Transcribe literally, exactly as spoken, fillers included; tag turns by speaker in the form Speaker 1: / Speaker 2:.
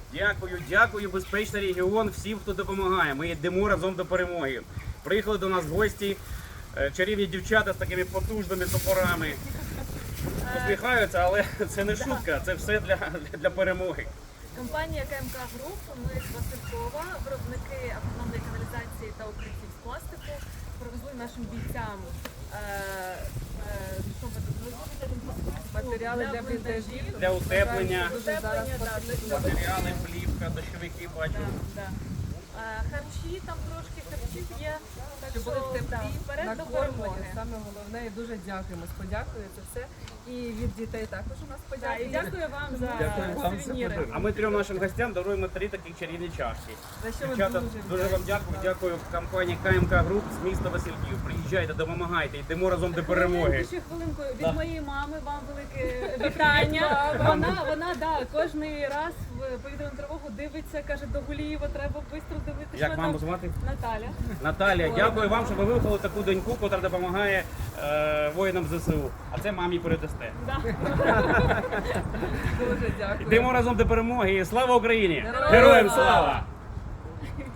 Speaker 1: Дякую, дякую, безпечний регіон, всім, хто допомагає. Ми йдемо разом до перемоги. Приїхали до нас гості, е, чарівні дівчата з такими потужними топорами. Посміхаються, але це не шутка, це все для, для перемоги.
Speaker 2: Компанія КМК Груп, ми з Василькова, виробники автономної каналізації та укриттів з пластику, привезли нашим бійцям е, е, що ми тут везли?
Speaker 3: Матеріали для бліндажів.
Speaker 1: Для утеплення,
Speaker 3: Дуже зараз
Speaker 2: Утеплення, да,
Speaker 3: потрібно.
Speaker 1: матеріали, плівка, дощовики, бачу.
Speaker 2: Да, да. Е, Харчі, там трошки харчів є, так
Speaker 3: Щоб
Speaker 2: що
Speaker 3: були в теплі,
Speaker 2: да, вперед до
Speaker 3: накормлені.
Speaker 2: перемоги.
Speaker 3: Саме головне, і дуже дякуємо. Подякую за все. І від дітей також у нас
Speaker 2: Да,
Speaker 3: подякую.
Speaker 2: і дякую вам за
Speaker 1: Дякую вам за
Speaker 2: сувеніри.
Speaker 1: А ми трьом нашим гостям даруємо три такі чарівні чашки.
Speaker 3: За що ми
Speaker 1: Дівчата,
Speaker 3: дуже
Speaker 1: дуже вам дякую. Дякую компанії КМК Груп з міста Васильків. Приїжджайте, допомагайте, йдемо разом до перемоги.
Speaker 2: Хвилинку, ще хвилинку. Від моєї мами вам велике вітання. Вона, вона, да, кожний раз в повітряну тривогу дивиться, каже, до Гулієва треба швидко дивитися.
Speaker 1: Як маму звати?
Speaker 2: Наталя.
Speaker 1: Наталія, дякую вам, що ви виховали таку доньку, яка допомагає е, воїнам ЗСУ. А це мамі передасте.
Speaker 2: Да.
Speaker 3: дуже дякую.
Speaker 1: Йдемо разом до перемоги. Слава Україні!
Speaker 3: Героям
Speaker 1: Героям
Speaker 3: слава!
Speaker 1: слава!